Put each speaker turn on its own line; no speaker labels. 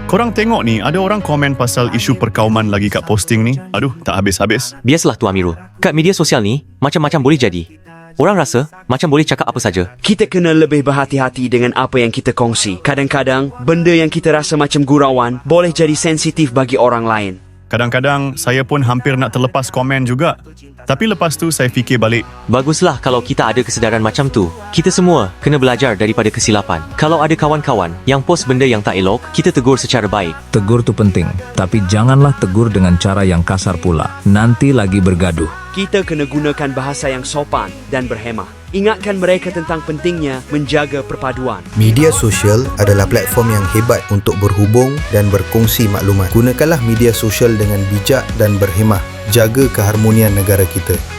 Korang tengok ni, ada orang komen pasal isu perkauman lagi kat posting ni. Aduh, tak habis-habis.
Biasalah Tu Amirul. Kat media sosial ni, macam-macam boleh jadi. Orang rasa macam boleh cakap apa saja.
Kita kena lebih berhati-hati dengan apa yang kita kongsi. Kadang-kadang, benda yang kita rasa macam gurauan boleh jadi sensitif bagi orang lain.
Kadang-kadang saya pun hampir nak terlepas komen juga. Tapi lepas tu saya fikir balik.
Baguslah kalau kita ada kesedaran macam tu. Kita semua kena belajar daripada kesilapan. Kalau ada kawan-kawan yang post benda yang tak elok, kita tegur secara baik.
Tegur tu penting, tapi janganlah tegur dengan cara yang kasar pula. Nanti lagi bergaduh.
Kita kena gunakan bahasa yang sopan dan berhemah. Ingatkan mereka tentang pentingnya menjaga perpaduan.
Media sosial adalah platform yang hebat untuk berhubung dan berkongsi maklumat. Gunakanlah media sosial dengan bijak dan berhemah. Jaga keharmonian negara kita.